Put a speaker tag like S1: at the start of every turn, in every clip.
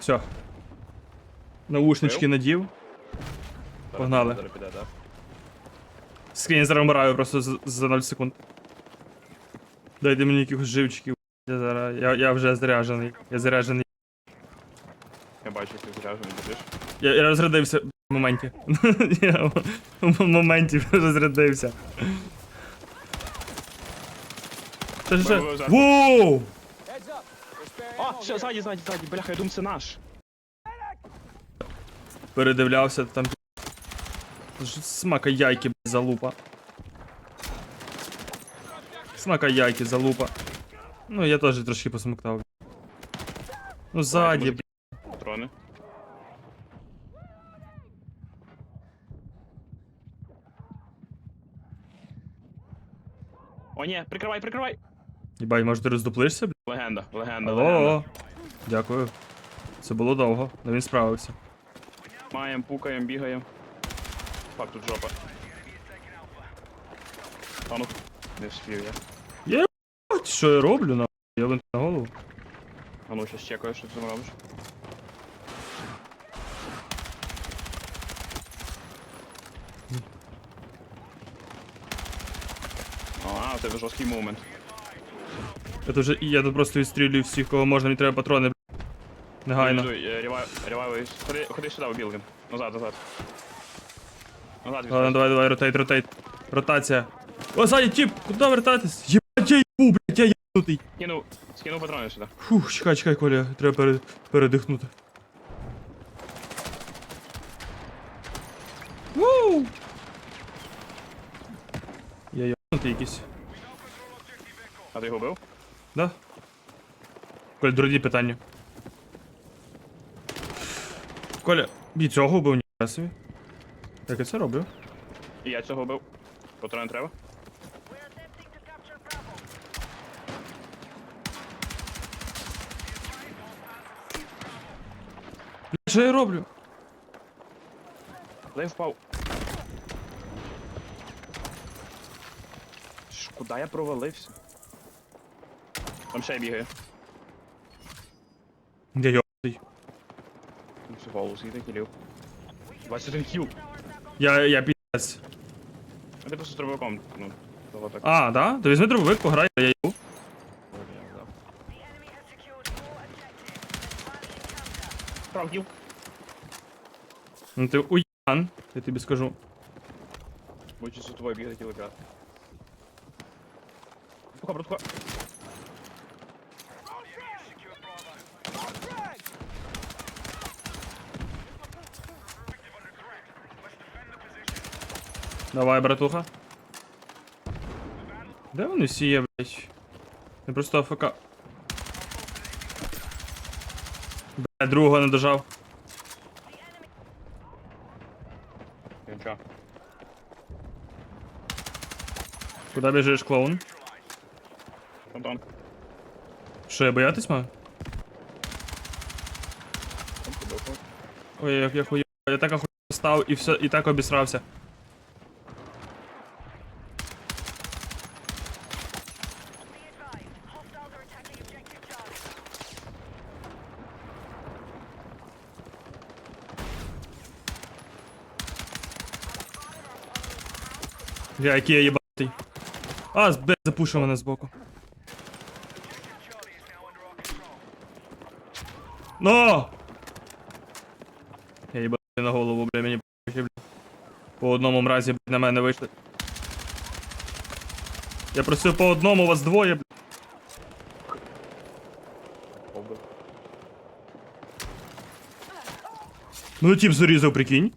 S1: Все. Наушнички надів. Погнали. Скрінь зараз вмираю просто за 0 секунд. Дайте мені якихось живчиків. Я вже заряджений. Я заряджений.
S2: Я бачу, як ти заряджений будеш.
S1: Я розрядився в моменті. Я в моменті розрядився. Що? Воу!
S2: О, все, ззаді, бляха, я думаю, це наш.
S1: Передивлявся там. Смака яйки, блядь, залупа. Смака яйки, залупа. Ну, я теж трошки посмоктав. Ну, ззаді, блядь.
S2: Патрони. О, ні, прикривай!
S1: Єбай, може ти роздуплишся, блядь?
S2: Легенда, легенда.
S1: Алло. Дякую. Це було довго, але він справився.
S2: Маєм, пукаєм, бігаєм. Фак, тут жопа. А ну, не вспів я.
S1: Що я роблю, нахуй? Я винт на голову.
S2: А ну, щас чекаю, що ти там робиш. А, у тебе жорсткий момент.
S1: Я тут просто відстрілюю всіх, кого можна, мені треба патрони, блядь. Негайно.
S2: Ревайвуй. Ходи сюди, у білдинг. Назад. Назад,
S1: Ладно, давай, ротейт. Ротація. О, ззаді, тип, куди вертатись? Єбать, я їбу, блядь, я єбнутий.
S2: Скинув патрони сюди.
S1: Фух, чекай, Коля, треба передихнути. Вуу! Я єбнутий якийсь.
S2: А ти його бив?
S1: Да? Коля, другі питання. Коля, і цього вбив, ніхуя собі. Як я це роблю?
S2: І я цього бив. Патрони треба?
S1: Що я роблю?
S2: Куди я впав? Куди я провалився? Там ще й бігає.
S1: Я йобнутий.
S2: Всю голову скільки кілів. 21 кіл.
S1: Я пі***ць.
S2: А ти просто з дробовиком, ну, того так.
S1: А, да? То візьми дробовик, пограй, я їбу.
S2: Прав кіл.
S1: Ну ти уян, я тобі скажу.
S2: Будь за тобою бігати кілика. Братуха.
S1: Давай, братуха. Де вони всі є, блядь? Я просто АФК. Бля, другого не дожав.
S2: Нічого.
S1: Куди біжиш, клоун?
S2: Антон.
S1: Що, я боятись маю? Ой, як я хуя. Я так охуєв став і все, і так обісрався. Я який я єбатий. А, блядь, запушив мене збоку. Но! Я їбатий на голову, бля, мені бля. По одному мразі, блядь, на мене вийшли. Я просив по одному, вас двоє, блядь. Ну тип зарізав, прикинь.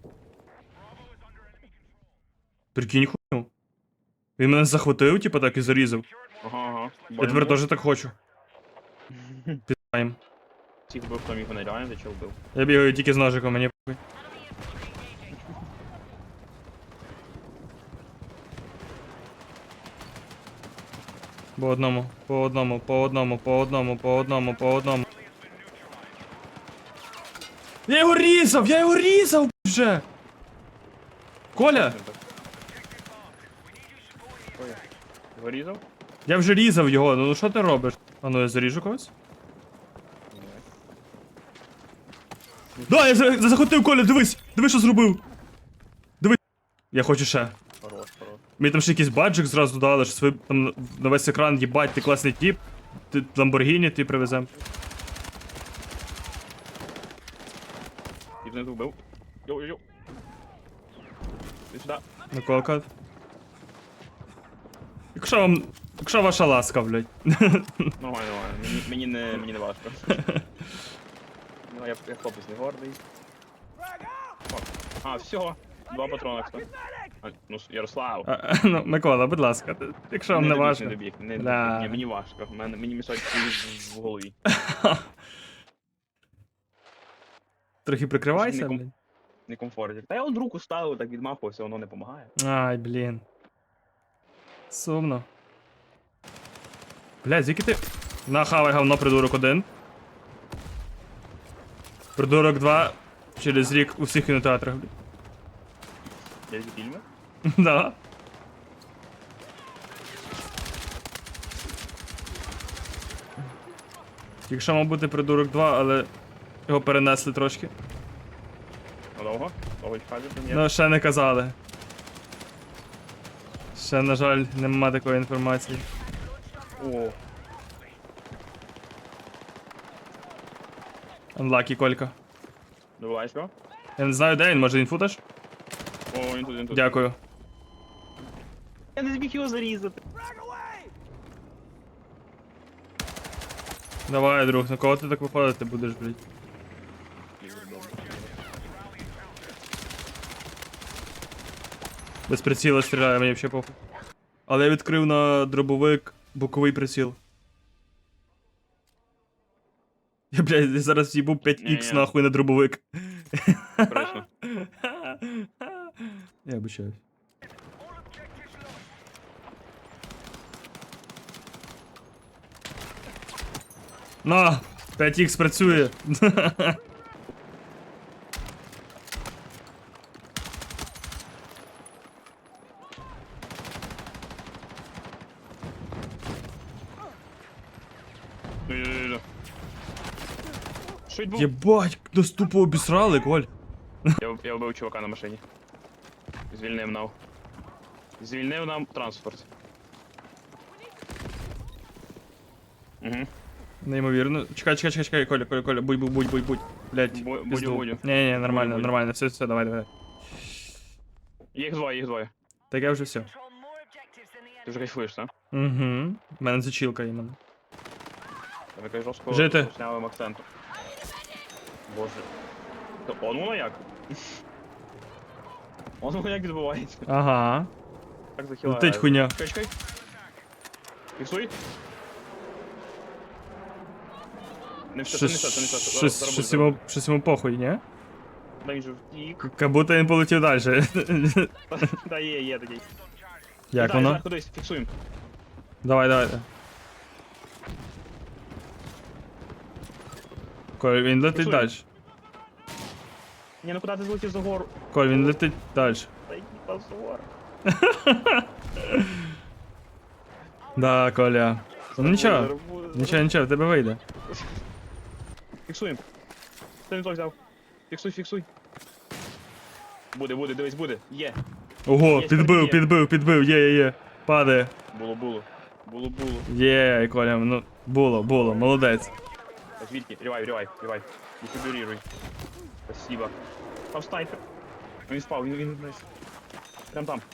S1: Прикинь хуйню. Він мене захватив, типа так і зарізав.
S2: Ага.
S1: Я тепер теж так хочу. Пізнаєм.
S2: Тих бив, хто міг мене реально, ти чого вбив?
S1: Я бігаю тільки з ножиком, мені похуй. По одному. Я його різав вже! Коля!
S2: Вирізав?
S1: Я вже різав його, ну що ти робиш? А ну я заріжу когось? Да, я захотив, Коля, дивись! Дивись, що зробив! Дивись! Я хочу ще.
S2: Хорош, хорош.
S1: Мені там ще якийсь баджик зразу дали, що свій там на весь екран, їбать, ти класний тіп. Ти Ламборгіні ти привезем.
S2: І внизу вбив. Йоу-йоу-йоу. Ти сюди.
S1: Наколка. Якщо ваша ласка, блядь.
S2: Нормально, нормально. Мені не важко. Ну, я хлопець не гордий. О, а, все. 2 патрона, кстати. Ну, Ярослав.
S1: Ну, Микола, будь ласка, якщо вам не
S2: добіг,
S1: важко.
S2: Не добіг, не
S1: Бля.
S2: добіг. Ні, мені важко. Мені мішать в голові.
S1: Трохи прикривайся,
S2: Не ком-
S1: блядь.
S2: Не комфортно. Та я от руку ставив, так відмахувався, воно не допомагає.
S1: Ай, блін. Сумно. Блядь, звідки ти. Нахавай говно, придурок 1. Придурок 2. Через рік у всіх кінотеатрах, блядь.
S2: Я ці фільми?
S1: Да. Якщо мав бути придурок 2, але його перенесли трошки.
S2: Надовго? Довго чекати прем'єр?
S1: Ну, ще не казали. Ще, на жаль, нема такої інформації.
S2: О,
S1: Unlucky, Колька.
S2: добиваєш його?
S1: Я не знаю, де він, може інфуташ?
S2: О, він тут.
S1: Дякую.
S2: Я не зміг його зарізати.
S1: Давай, друг, на кого ти так виходити будеш, блядь? Без приціла стріляє, мені взагалі похуй. Але я відкрив на дробовик боковий приціл. Я, блядь, я зараз їбу 5х
S2: Ні-ні.
S1: нахуй на дробовик.
S2: Коротше.
S1: Я обичаюсь. На! 5х працює.
S2: Ну, що відбув?
S1: Єбать, нас тупо обісрали, Коль.
S2: Я вбив чувака на машині. Звільнив нам. Звільнив нам транспорт. Угу.
S1: Неймовірно. Чекай, Коля, будь. Блять,
S2: Будю.
S1: Не, нормально,
S2: Будь.
S1: нормально, все, давай.
S2: Їх двоє.
S1: Так я вже все.
S2: Ти вже кайфуєш, так?
S1: Угу. У мене зачілка іменно.
S2: Там якась жорстко
S1: Жити.
S2: руснявим акцентом. Боже. То он воно як? Он воно як відбувається.
S1: Ага.
S2: Так захилає.
S1: Летить хуйня.
S2: Чекай. Фіксуй. Не все, це не все.
S1: Щось йому похуй, ні?
S2: Дай він же втік.
S1: Как будто він полетів далі.
S2: Та є такий.
S1: Як
S2: Дай,
S1: воно?
S2: Кудись, фіксуємо.
S1: Давай. Коль, він летить
S2: Фіксуємо.
S1: далі.
S2: Ні, ну куди ти злетів за гору?
S1: Коль, він летить далі.
S2: Та йди позор.
S1: Да, Коля. Ну нічого, в тебе вийде.
S2: Фіксуємо. Ти не то взяв. Фіксуй. Буде, дивись, буде. Є.
S1: Ого,
S2: Є,
S1: підбив, є. Падає.
S2: Було.
S1: Є, Коля, ну, було, молодець.
S2: Так, звідки? Ревай. Дефибрируй. Спасибо. Там снайпер. Він спав, він десь. Прям там.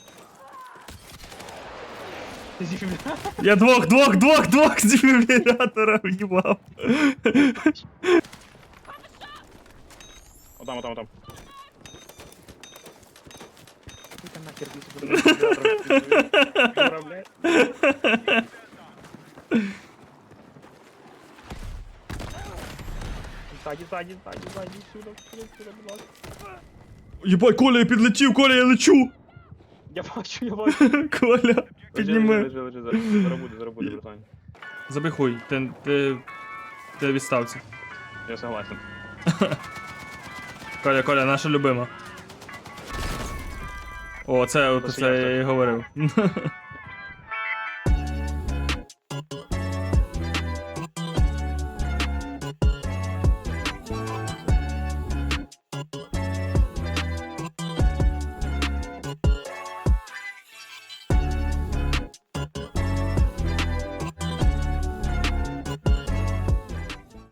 S1: Я двох з дефібрилятора в'їбав.
S2: Отам. Ти там нахер дефібрилятор, блядь. Ззаді, сюди, будь ласка.
S1: Єбать, Коля, я підлетів, Коля, я лечу.
S2: Я бачу.
S1: Коля, підніми.
S2: Лежи. Зараз буде, братан.
S1: Забий хуй, ти відставці.
S2: Я согласен.
S1: Коля, наша любима. О, це я і говорив.